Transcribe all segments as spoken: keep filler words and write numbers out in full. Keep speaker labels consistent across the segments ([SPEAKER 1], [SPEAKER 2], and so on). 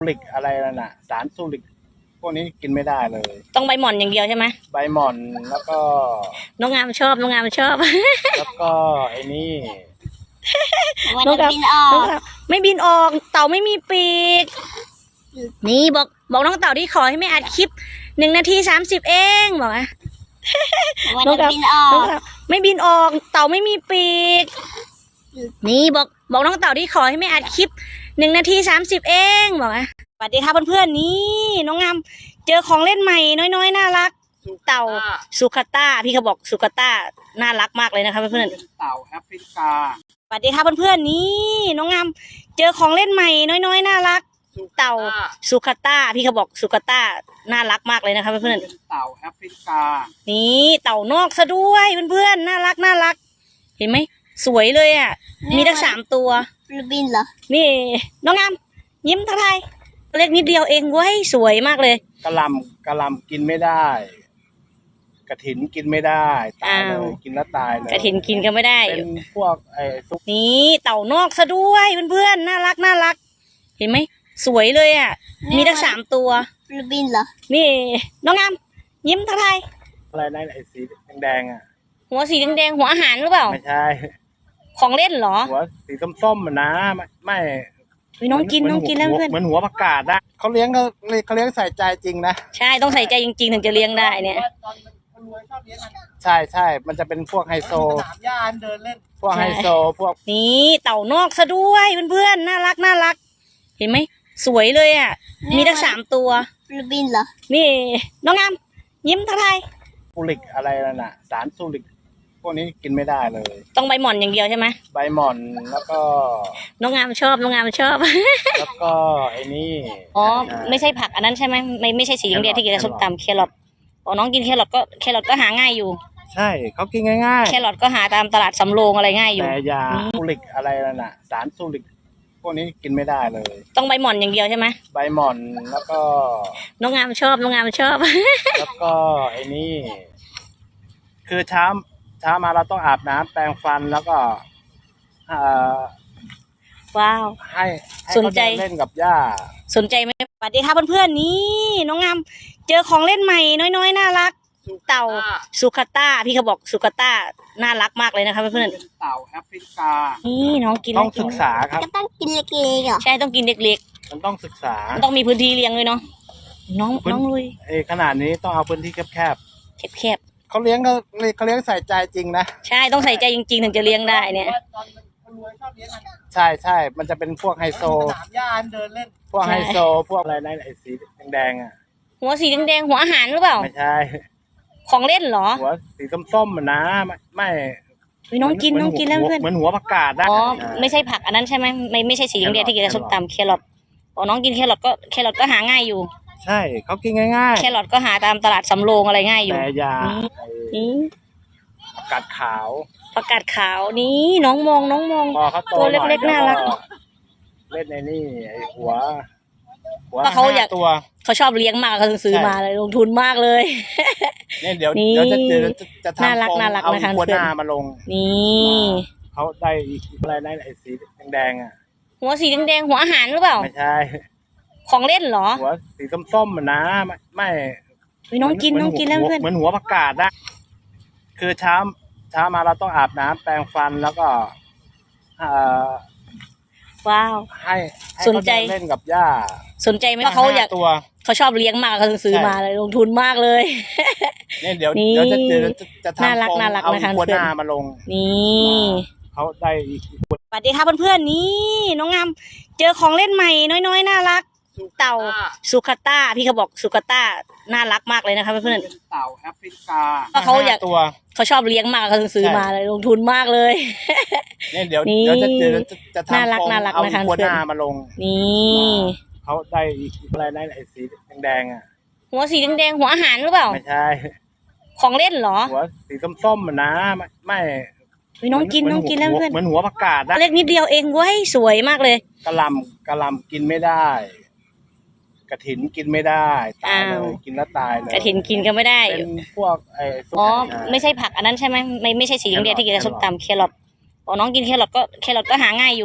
[SPEAKER 1] ฟูริกอะไรนั่นน่ะสารฟูริกพวกนี้กินไม่ได้เลย
[SPEAKER 2] ต้องใบหม่อนอย่างเดียวใช่ไหม
[SPEAKER 1] ใบหม่อนแล้วก็
[SPEAKER 2] น้องงามชอบน้องงามชอบ
[SPEAKER 1] แล้วก็ไอ้นี่
[SPEAKER 2] น้องงามบินออกไม่บินออกเต่าไม่มีปีกนี่บอกบอกน้องเต่าที่ขอให้ไม่อัดคลิปหนึ่งนาทีสามสิบเองบอกนะน้องงามบินออกไม่บินออกเต่าไม่มีปีกนี่บอกบอกน้องเต่าที่ขอให้ไม่อัดคลิปหนึ่งนาทีสามสิบเองบอกนะสวัสดีค่ะเพื่อนๆนี่น้องงามเจอของเล่นใหม่น้อยๆน่ารักเต่าสุขต้าพี่เขาบอกสุขต้าน่ารักมากเลยนะคะเพื่อน
[SPEAKER 1] ๆเต่าแอฟริกา
[SPEAKER 2] สวัสดีค่ะเพื่อนๆนี่น้องงามเจอของเล่นใหม่น้อยๆน่ารักเต่าสุขต้าพี่เขาบอกสุขต้าน่ารักมากเลยนะคะเพื่อน
[SPEAKER 1] ๆเต่าแอฟริกา
[SPEAKER 2] นี่เต่านอกซะด้วยเพื่อนๆน่ารักน่ารักเห็นไหมสวยเลยอ่ะมีทั้งสามตัว
[SPEAKER 3] บินเหรอ
[SPEAKER 2] นี่น้องงามยิ้มทักทายเล็กนิดเดียวเองเว้ยสวยมากเลย
[SPEAKER 1] กระลำกระลำกินไม่ได้กระถินกินไม่ได้ตายเลยกินแล้วตายเลย
[SPEAKER 2] กระถินกินก็ไม่ได้
[SPEAKER 1] เป็นพวกไอ้ซุป
[SPEAKER 2] นี่เต่านอกซะด้วยเพื่อนๆน่ารักน่ารักเห็นไหมสวยเลยอ่ะมีทั้งสามตัว
[SPEAKER 3] บินเหรอ
[SPEAKER 2] นี่น้องงามยิ้มทักทาย
[SPEAKER 1] อะไรนั่นไอ้สีแดงๆอ่ะ
[SPEAKER 2] หัวสีแดงๆหัวอาหารหรือเปล่า
[SPEAKER 1] ไม่ใช่
[SPEAKER 2] ของเล่นเหรอ
[SPEAKER 1] หัวสีส้มๆมันนะไม่ไม่
[SPEAKER 2] น้องกินน้องกินแล้วเพื่อน
[SPEAKER 1] เหมือนหัวผักกาดนะเขาเลี้ยงเขาเขาเลี้ยงใส่ใจจริงนะ
[SPEAKER 2] ใช่ต้องใส่ใจจริงๆถึงจะเลี้ยงได้เนี่ย
[SPEAKER 1] ใช่ใช่มันจะเป็นพวกไฮโซสนามหญ้าเดินเล่นพวกไฮโซพวก
[SPEAKER 2] นี่เต่านอกซะด้วยเพื่อนๆน่ารักน่ารักเห็นไหมสวยเลยอ่ะมีทั้งสามตัว
[SPEAKER 3] บินเหรอ
[SPEAKER 2] นี่น้องงามยิ้มทักทาย
[SPEAKER 1] ฟูริกอะไรนั่นน่ะสารฟูริกพวกนี้กินไม่ได้เลย
[SPEAKER 2] ต้องใบหม่อนอย่างเดียวใช่ไหม
[SPEAKER 1] ใบหม่อนแล้วก็
[SPEAKER 2] น้องงามชอบน้องงามชอบ
[SPEAKER 1] แล้วก็ไอ้นี่
[SPEAKER 2] อ๋อไม่ใช่ผักอันนั้นใช่ไหมไม่ไม่ใช่สีแดงที่กินกับส้มตำแครอทอ๋อน้องกินแครอทก็แครอทก็หาง่ายอยู่
[SPEAKER 1] ใช่เขากินง่ายๆ
[SPEAKER 2] แครอทก็หาตามตลาดสำโรงอะไรง่ายอยู่
[SPEAKER 1] แต่ยาฟูริกอะไรนั่นน่ะสารฟูริกพวกนี้กินไม่ได้เลย
[SPEAKER 2] ต้องใบหม่อนอย่างเดียวใช่ไหม
[SPEAKER 1] ใบหม่อนแล้วก็
[SPEAKER 2] น้องงามชอบน้องงามชอบ
[SPEAKER 1] แล้วก็ไอ้นี่คือเช้าเช้ามาเราต้องอาบน้ำแปรงฟันแล้วก็เอ่อ
[SPEAKER 2] ว้าว
[SPEAKER 1] ให้สนใจเล่นกับย่า
[SPEAKER 2] สนใจไหมสวัสดีค่ะเพื่อนๆนี่น้องงามเจอของเล่นใหม่น้อยๆน่ารักเต่าสุขต้าพี่เขาบอกสุขต้าน่ารักมากเลยนะคะเพื่อน
[SPEAKER 1] ๆเต่าแอฟริกา
[SPEAKER 2] นี่น้องกิน
[SPEAKER 1] ต้องศึกษาครับ
[SPEAKER 3] ก็ต้องกินเล็กๆเหรอ
[SPEAKER 2] ใช่ต้องกินเล็ก
[SPEAKER 1] ๆมันต้องศึกษา
[SPEAKER 2] มันต้องมีพื้นที่เลี้ยงเลยเนาะน้องน้องลุย
[SPEAKER 1] เอขนาดนี้ต้องเอาพื้นที่แคบ
[SPEAKER 2] แคบ
[SPEAKER 1] ๆเขาเลี้ยงเขาเขาเลี้ยงใส่ใจจริงนะ
[SPEAKER 2] ใช่ต้องใส่ใจจริงๆถึงจะเลี้ยงได้เนี่ย
[SPEAKER 1] ใช่ใช่มันจะเป็นพวกไฮโซสนามหญ้าเดินเล่นพวกไฮโซพวกอะไรนั่นไอ้สีแดงๆอ่ะ
[SPEAKER 2] หัวสีแดงๆหัวอาหารหรือเปล่า
[SPEAKER 1] ไม่ใช่
[SPEAKER 2] ของเล่นเหรอ
[SPEAKER 1] หัวสีส้มๆมันนะไม่ไม่
[SPEAKER 2] น้องกินน้องกินแล้วเพื่อน
[SPEAKER 1] เหมือนหัวผักกาดนะ
[SPEAKER 2] อ๋อไม่ใช่ผักอันนั้นใช่ไหมไม่ไม่ใช่สีแดงที่กินกับส้มตำแครอทอ๋อน้องกินแครอทก็แครอทก็หาง่ายอยู่
[SPEAKER 1] ใช่เขากินง่าย
[SPEAKER 2] ๆแครอทก็หาตามตลาดสำโรงอะไรง่ายอยู่
[SPEAKER 1] แต่ยา
[SPEAKER 2] นี่
[SPEAKER 1] ผักกาดขาว
[SPEAKER 2] ผักกาดขาวนี่น้องมองน้องมองตัวเล็กๆน่ารัก
[SPEAKER 1] เล่นในนี่ไอ้หัวหัว
[SPEAKER 2] เขาอยาก
[SPEAKER 1] ตัว
[SPEAKER 2] เขาชอบเลี้ยงมากเขาซื้อมาเลยลงทุนมากเลย
[SPEAKER 1] เนี่ยเดี๋ยวเดี๋ยวจะจะทำ
[SPEAKER 2] น่ารักน่ารักนะคะ
[SPEAKER 1] หัวหน้ามาลง
[SPEAKER 2] นี่
[SPEAKER 1] เขาได้อะไรนั่นไอ้สีแดงๆอ่ะ
[SPEAKER 2] หัวสีแดงๆหัวอาหารหรือเปล่า
[SPEAKER 1] ไม่ใช่
[SPEAKER 2] ของเล่นเหรอ
[SPEAKER 1] หัวสีส้มๆมันนะไม่ไม่
[SPEAKER 2] น้องกินน้องกินแล้วเพื่อน
[SPEAKER 1] เหมือนหัวผักกาดนะคือเช้าเช้ามาเราต้องอาบน้ำแปรงฟันแล้วก็เอ่อ
[SPEAKER 2] ว้าว
[SPEAKER 1] ให้สนใจเล่นกับย่า
[SPEAKER 2] สนใจไหมเขาอยาก
[SPEAKER 1] ตัว
[SPEAKER 2] เขาชอบเลี้ยงมากเขาซื้อมาเลยลงทุนมากเลย
[SPEAKER 1] เนี่ยเดี๋ยวเดี๋ยวจะจะทำ
[SPEAKER 2] น่ารักน่ารักนะคะ
[SPEAKER 1] หัวหน้ามาลง
[SPEAKER 2] นี่
[SPEAKER 1] เขาได้
[SPEAKER 2] สวัสดีค่ะเพื่อนๆนี่น้องงามเจอของเล่นใหม่น้อยๆน่ารักเต่าสุขต้าพี่เขาบอกสุขต้าน่ารักมากเลยนะคะเพื่อน
[SPEAKER 1] ๆเต่าแอฟริกา
[SPEAKER 2] เขาอยาก
[SPEAKER 1] ตัว
[SPEAKER 2] เขาชอบเลี้ยงมากเขาซื้อมาเลยลงทุนมากเลย
[SPEAKER 1] เนี่ยเดี๋ยวเดี๋ยวจะจะทำ
[SPEAKER 2] น่ารักน่ารักนะคะ
[SPEAKER 1] หัวหน้ามาลง
[SPEAKER 2] นี่
[SPEAKER 1] เขาได้อะไรนั่นไอ้สีแดงๆอ่ะ
[SPEAKER 2] หัวสีแดงๆหัวอาหารหรือเปล่า
[SPEAKER 1] ไม่ใช่
[SPEAKER 2] ของเล่นเหรอ
[SPEAKER 1] หัวสีส้มๆมันนะไม่ไม่
[SPEAKER 2] น้องกินน้องกินแล้วเพื่อน
[SPEAKER 1] เหมือนหัวผักกาดนะ
[SPEAKER 2] เล็กนิดเดียวเองเว้ยสวยมากเลย
[SPEAKER 1] กระลำกระลำกินไม่ได้กระถินกินไม่ได้ตายเลยกินแล้วตายเลย
[SPEAKER 2] กระถินกินก็ไม่ได้
[SPEAKER 1] เป็นพวกไอ้
[SPEAKER 2] อ๋อไม่ใช่ผักอันนั้นใช่ไหมไม่ไม่ใช่สีแดงที่กินกับส้มตำแครอทอ๋อน้องกินแครอทก็แครอทก็หาง่ายอยู่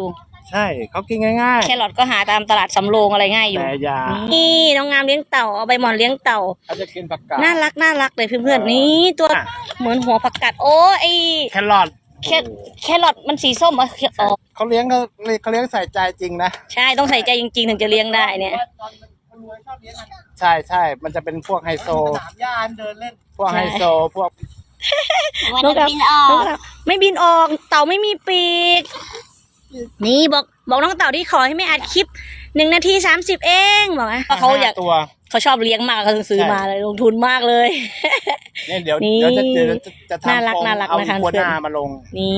[SPEAKER 1] ใช่เขากินง่าย
[SPEAKER 2] แครอทก็หาตามตลาดสำโรงอะไรง่าย
[SPEAKER 1] ๆ
[SPEAKER 2] อยู่
[SPEAKER 1] แต่อยา
[SPEAKER 2] นี่น้องงามเลี้ยงเต่าเอาใบหม่อนเลี้ยงเต่า
[SPEAKER 1] เขาจะกินผักกาด
[SPEAKER 2] น่ารักน่ารักเลยเพื่อนๆนี่ตัว
[SPEAKER 1] อ่ะ
[SPEAKER 2] เหมือนหัวผักกาดโอ้ไอ
[SPEAKER 1] แครอท
[SPEAKER 2] แคแครอทมันสีส้มอ่ะอ๋อ
[SPEAKER 1] เขาเลี้ยงเขาเขาเลี้ยงใส่ใจจริงนะ
[SPEAKER 2] ใช่ต้องใส่ใจจริงๆถึงจะเลี้ยงได้เนี่ย
[SPEAKER 1] ใช่ใช่มันจะเป็นพวกไฮโซ
[SPEAKER 4] สนามหญ้าเดินเล่น
[SPEAKER 1] พวกไฮโซพวก
[SPEAKER 3] มัน
[SPEAKER 2] นก
[SPEAKER 3] จะ
[SPEAKER 2] ครับ
[SPEAKER 3] บินออก
[SPEAKER 2] นกครับไม่บินออกเต่าไม่มีปีก นี่บอกบอกน้องเต่าที่ขอให้ไม่อัดคลิปหนึ่งนาทีสามสิบเองบอกนะเขาอยาก
[SPEAKER 1] ตัว
[SPEAKER 2] เขาชอบเลี้ยงมากเขาถึงซื้อ
[SPEAKER 1] ใช่
[SPEAKER 2] มาเลยลงทุนมากเลย
[SPEAKER 1] เนี่ยเดี๋ยว
[SPEAKER 2] นี่
[SPEAKER 1] เดี๋ยวจะเดี๋ยวจะจะ
[SPEAKER 2] น่า
[SPEAKER 1] ทำ
[SPEAKER 2] รัก
[SPEAKER 1] โครง
[SPEAKER 2] น่ารัก
[SPEAKER 1] เอา
[SPEAKER 2] นะคะ
[SPEAKER 1] หัวหน้า
[SPEAKER 2] เพื่อน
[SPEAKER 1] มาลง
[SPEAKER 2] นี่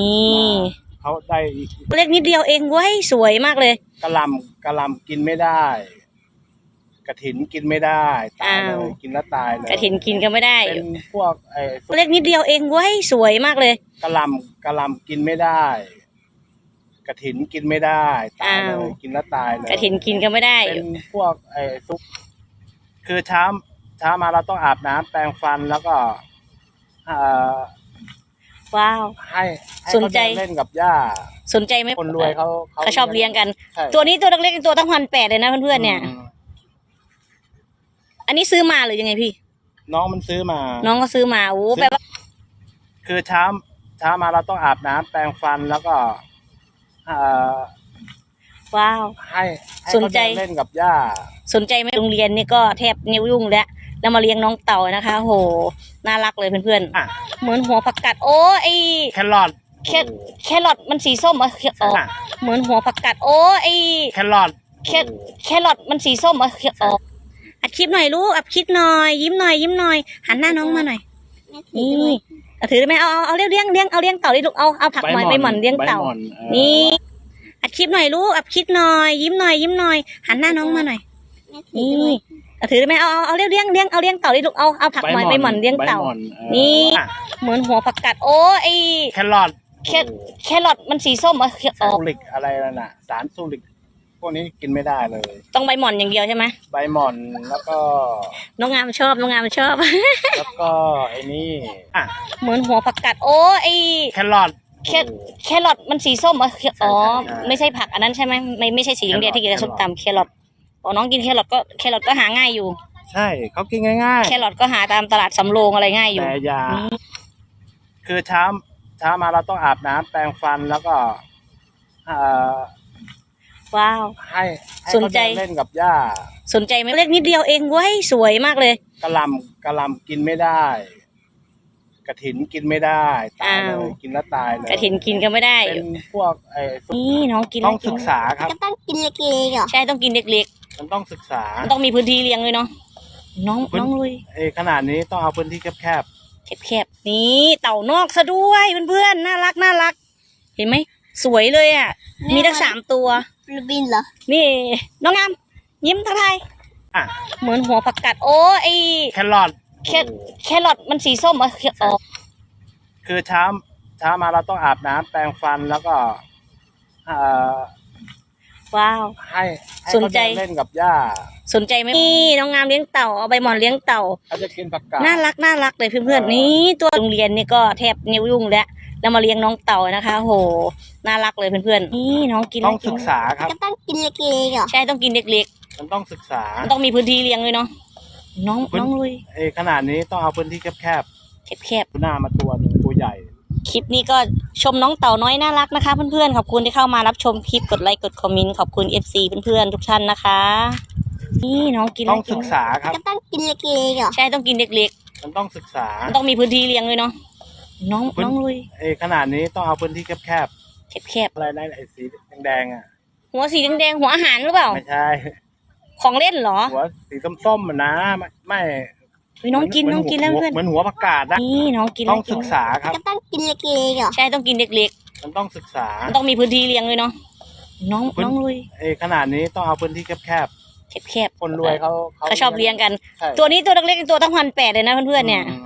[SPEAKER 1] เขาได้อีก
[SPEAKER 2] เล็กนิดเดียวเองเว้ยสวยมากเลย
[SPEAKER 1] กระหลำกระหลำกินไม่ได้กระถินกินไม่ได้ตายเล
[SPEAKER 2] อ้าว
[SPEAKER 1] ยกินแล้วตายเลย
[SPEAKER 2] กระถินกินก็ไม่ได้
[SPEAKER 1] เป็นพวกไอ้
[SPEAKER 2] เล็กนิดเดียวเองเว้ยสวยมากเลย
[SPEAKER 1] กระหลำกระหลำกินไม่ได้กระถินกินไม่ได้ตายเล
[SPEAKER 2] อ้าว
[SPEAKER 1] ยกินแล้วตายเลย
[SPEAKER 2] กระถินกินก็ไม่ได้
[SPEAKER 1] เป็นพวกไอ้ซุปคือเช้าเช้ามาเราต้องอาบน้ำแปรงฟันแล้วก็เอ่อ
[SPEAKER 2] ว้าว
[SPEAKER 1] ให้ให้
[SPEAKER 2] สนใจ
[SPEAKER 1] เขาเดิเล่นกับหญ้า
[SPEAKER 2] สนใจไหม
[SPEAKER 1] คนรวยเขา
[SPEAKER 2] เขาชอบเลี้ยงกัน
[SPEAKER 1] ใช่
[SPEAKER 2] ตัวนี้ตัวเล็กๆตัวตั้งพันแปดเลยนะเพื่อนๆเนี่ย
[SPEAKER 1] อืม
[SPEAKER 2] อันนี้ซื้อมาหรือยังไงพี่
[SPEAKER 1] น้องมันซื้อมา
[SPEAKER 2] น้องก็ซื้อมาโอ้แปลว่า
[SPEAKER 1] คือเช้าเช้ามาเราต้องอาบน้ำแปรงฟันแล้วก็เอ่อ
[SPEAKER 2] ว้าว
[SPEAKER 1] ให้ให้
[SPEAKER 2] สนใจ
[SPEAKER 1] เขาเดิเล่นกับหญ้า
[SPEAKER 2] สนใจไหมโรงเรียนนี่ก็แทบนิ้วยุ่งแล้วแล้วมาเลี้ยงน้องเต่านะคะโหน่ารักเลยเพื่อน
[SPEAKER 1] อ่ะ
[SPEAKER 2] ๆเหมือนหัวผักกาดโอ้ไอ
[SPEAKER 1] แครอท
[SPEAKER 2] แคแครอทมันสีส้มอ่ะอ๋อ
[SPEAKER 1] อ่ะ
[SPEAKER 2] เหมือนหัวผักกาดโอ้ไอ
[SPEAKER 1] แครอท
[SPEAKER 2] แคแครอทมันสีส้มอ่ะอ๋ออัดคลิปหน่อยลูกอัดคลิปหน่อยยิ้มหน่อยยิ้มหน่อยหันหน้าน้องมาหน่อยนี่เอาถือได้ไหมเอาเอาเอาเลี้ยงเลี้ยงเลี้ยงเอาเลี้ยงเต่าดิลูกเอาเอาผักหน่อยใบหม่อนเลี้ยงเต่า
[SPEAKER 1] ใบหม่อนเออ
[SPEAKER 2] นี่อัดคลิปหน่อยลูกอัดคลิปหน่อยยิ้มหน่อยยิ้มหน่อยหันหน้าน้องมาหน่อยนี่เอาถือได้ไหมเอาเอาเอาเลี้ยงเลี้ยงเลี้ยงเอาเลี้ยงเต่าดิลูกเอาเอาผักหน่อยใบหม่อนเลี้ยงเต่า
[SPEAKER 1] ใบหม่อนเออ
[SPEAKER 2] นี่
[SPEAKER 1] อ่ะ
[SPEAKER 2] เหมือนหัวผักกาดโอ้ไอ
[SPEAKER 1] แครอท
[SPEAKER 2] แคแครอทมันสีส้มอ่ะอ๋อ
[SPEAKER 1] ซูริกอะไรนั่นน่ะ สารซูริก พวกนี้กินไม่ได้เลย
[SPEAKER 2] ต้องใบหม่อนอย่างเดียวใช่ไหม
[SPEAKER 1] ใบหม่อนแล้วก็
[SPEAKER 2] น้องงามชอบน้องงามชอบ
[SPEAKER 1] แล้วก็ไอ้นี่อ่ะ
[SPEAKER 2] เหมือนหัวผักกาดโอ้ไอ
[SPEAKER 1] แครอท
[SPEAKER 2] แคแครอทมันสีส้มอ่ะอ๋อ
[SPEAKER 1] ใช่
[SPEAKER 2] ไม่ใช่ผักอันนั้นใช่ไหมไม่ไม่ใช่สีแดงๆที่กินกับส้มตำแครอทอ๋อน้องกินแครอทก็แครอทก็หาง่ายอยู่
[SPEAKER 1] ใช่เขากินง่าย
[SPEAKER 2] แครอทก็หาตามตลาดสำโรงอะไรง่าย
[SPEAKER 1] ๆ
[SPEAKER 2] อยู่
[SPEAKER 1] แต่อยาคือเช้าเช้ามาเราต้องอาบน้ำแปรงฟันแล้วก็เอ่อ
[SPEAKER 2] ว้าว
[SPEAKER 1] ให้ให้
[SPEAKER 2] สนใจ
[SPEAKER 1] เขาเดิเล่นกับหญ้า
[SPEAKER 2] สนใจไหมเล็กนิดเดียวเองเว้ยสวยมากเลย
[SPEAKER 1] กระหลำกระหลำกินไม่ได้กระถินกินไม่ได้ตายเล
[SPEAKER 2] อ้าว
[SPEAKER 1] ยกินแล้วตายเลย
[SPEAKER 2] กระถินกินก็ไม่ได้
[SPEAKER 1] เป็นพวกไอ้ซุป
[SPEAKER 2] นี่น้องกิน
[SPEAKER 1] ต้อง
[SPEAKER 2] แล้ว
[SPEAKER 1] ศึกษาครับ
[SPEAKER 3] ก็ต้องกินเล็กๆเหรอ
[SPEAKER 2] ใช่ต้องกินเล็ก
[SPEAKER 1] มันต้องศึกษา
[SPEAKER 2] ๆมันต้องมีพื้นที่เลี้ยงเลยเนาะน้อง
[SPEAKER 1] พื้น
[SPEAKER 2] น้องลุย
[SPEAKER 1] เอ้ขนาดนี้ต้องเอาพื้นที่แคบ
[SPEAKER 2] แคบๆนี่เต่านอกซะด้วยเพื่อนๆน่ารักน่ารัก เห็นไหมสวยเลยอ่ะ มีทั้งสามตัว
[SPEAKER 3] ฟิลิปปินส์เหรอ
[SPEAKER 2] นี่ น้องงามยิ้มทักทาย
[SPEAKER 1] ๆอ่ะ
[SPEAKER 2] เหมือนหัวผักกาดโอ้ไอ
[SPEAKER 1] แครอท
[SPEAKER 2] แคแครอทมันสีส้มอ่ะอ๋อ
[SPEAKER 1] คือเช้าเช้ามาเราต้องอาบน้ำแปรงฟันแล้วก็เอ่อ
[SPEAKER 2] ว้าว
[SPEAKER 1] ให้ให้
[SPEAKER 2] สน
[SPEAKER 1] เขา
[SPEAKER 2] ใจ
[SPEAKER 1] เดิเล่นกับหญ้า
[SPEAKER 2] สนใจไหมนี่น้องงามเลี้ยงเต่าเอาใบหม่อนเลี้ยงเต่า
[SPEAKER 1] เขาจะกินผักกาด
[SPEAKER 2] น่ารักน่ารักเลยเพื่อนๆนี่ตัวโรงเรียนนี่ก็แทบนิ้วยุ่งแล้วแล้วมาเลี้ยงน้องเต่านะคะโหน่ารักเลยเพื่อนๆนี่น้องกิน
[SPEAKER 1] ต้องศึกษาครับ
[SPEAKER 3] ก็ต้องกินเล็กๆเหรอ
[SPEAKER 2] ใช่ต้องกินเล็ก
[SPEAKER 1] มันต้องศึกษา
[SPEAKER 2] ๆมันต้องมีพื้นที่เลี้ยงเลยเนาะน้อง
[SPEAKER 1] พื้น
[SPEAKER 2] น้องลุย
[SPEAKER 1] เอ้ขนาดนี้ต้องเอาพื้นที่แคบ
[SPEAKER 2] แคบ
[SPEAKER 1] ๆหน้ามาตัวหนึ่งตัวใหญ่
[SPEAKER 2] ๆคลิปนี้ก็ชมน้องเต่าน้อยน่ารักนะคะเพื่อนๆขอบคุณที่เข้ามารับชมคลิปกดไลค์กดคอมเมนต์ขอบคุณ เอฟ ซี เพื่อนๆทุกท่านนะคะนี่น้องกิน
[SPEAKER 1] ต้อง
[SPEAKER 2] แล้ว
[SPEAKER 1] ศึกษาครับ
[SPEAKER 3] ก็ต้องกินเล็กๆเหรอ
[SPEAKER 2] ใช่ต้องกินเล็ก
[SPEAKER 1] มันต้องศึกษา
[SPEAKER 2] ๆมันต้องมีพื้นที่เลี้ยงเลยเนาะน้อง
[SPEAKER 1] พื้น
[SPEAKER 2] น้องลุย
[SPEAKER 1] เอ้ขนาดนี้ต้องเอาพื้นที่แคบ
[SPEAKER 2] แคบ
[SPEAKER 1] ๆอะไรนะไอ้สีแดงๆอ่ะ
[SPEAKER 2] ๆหัวสีแดงๆหัวอาหารหรือเปล่า
[SPEAKER 1] ไม่ใช่
[SPEAKER 2] ของเล่นเหรอ
[SPEAKER 1] หัวสีส้มๆมันนะไม่ไม่
[SPEAKER 2] เฮ้ยน้องกินน้องกินแล้ว
[SPEAKER 1] หั
[SPEAKER 2] เพื่อน
[SPEAKER 1] เหมือนหัวผักกาดนะ
[SPEAKER 2] นี่น้องกิน
[SPEAKER 1] ต้อง
[SPEAKER 2] แล้ว
[SPEAKER 1] ศึกษาครับ
[SPEAKER 3] ก็ต้องกินเล็กๆเหรอ
[SPEAKER 2] ใช่ต้องกินเล็ก
[SPEAKER 1] มันต้องศึกษา
[SPEAKER 2] ๆมันต้องมีพื้นที่เลี้ยงเลยเนาะน้อง
[SPEAKER 1] พื้น
[SPEAKER 2] น้องลุย
[SPEAKER 1] เอ้ขนาดนี้ต้องเอาพื้นที่แคบ
[SPEAKER 2] แคบ
[SPEAKER 1] ๆคนรวยเขา
[SPEAKER 2] ๆเขาชอบเลี้ยงกัน
[SPEAKER 1] ใช่
[SPEAKER 2] ตัวนี้ตัวเล็กๆตัวตั้งพันแปดเลยนะเพื่อนๆเนี่ย
[SPEAKER 1] อืม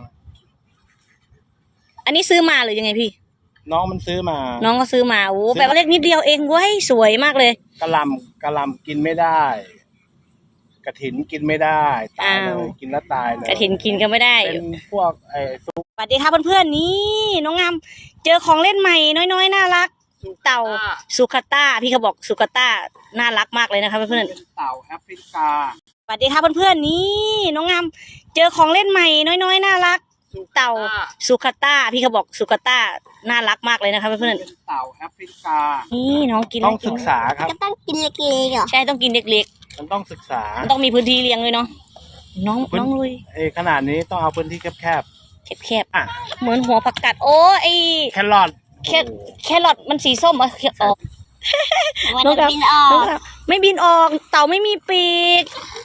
[SPEAKER 2] อันนี้ซื้อมาหรือยังไงพี่
[SPEAKER 1] น้องมันซื้อมา
[SPEAKER 2] น้องก็ซื้อมาโอ้
[SPEAKER 1] ซื้อ
[SPEAKER 2] แปลว่าเล็กนิดเดียวเองเว้ยสวยมากเลย
[SPEAKER 1] กระหลำกระหลำกินไม่ได้กระถินกินไม่ได้ตายเล
[SPEAKER 2] อ้าว
[SPEAKER 1] ยกินแล้วตายเลย
[SPEAKER 2] กระถินกินก็ไม่ได้
[SPEAKER 1] เป็นพวกไอ้ซุป
[SPEAKER 2] สวัสดีค่ะเพื่อนๆนี่น้องงามเจอของเล่นใหม่น้อยๆน่ารักเต่าสุขต้าพี่เขาบอกสุขต้าน่ารักมากเลยนะคะเพื่อน
[SPEAKER 1] เป็นเต่าแอฟริกา
[SPEAKER 2] ๆสวัสดีค่ะเพื่อนๆนี่น้องงามเจอของเล่นใหม่น้อยๆน่ารักเต่าสุขต้าพี่เขาบอกสุขต้าน่ารักมากเลยนะคะเพื่อน
[SPEAKER 1] เป็นเต่าแอฟริกา
[SPEAKER 2] ๆนี่น้องกิน
[SPEAKER 1] ต้องศึกษาครับ
[SPEAKER 3] ก็ต้องกินเล็กๆเหรอ
[SPEAKER 2] ใช่ต้องกินเล็ก
[SPEAKER 1] มันต้องศึกษา
[SPEAKER 2] ๆมันต้องมีพื้นที่เลี้ยงเลยเนาะน้อง
[SPEAKER 1] พื้น
[SPEAKER 2] น้องลุย
[SPEAKER 1] เอยขนาดนี้ต้องเอาพื้นที่แคบ
[SPEAKER 2] แคบ
[SPEAKER 1] ๆอ่ะ
[SPEAKER 2] ๆเหมือนหัวผักกาดโอ้ไอ
[SPEAKER 1] แครอท
[SPEAKER 2] แคแครอทมันสีส้มเหรอออก
[SPEAKER 3] มันจะบินออ
[SPEAKER 2] น้อง
[SPEAKER 3] ก
[SPEAKER 2] ครับไม่บินออกเต่าไม่มีปีก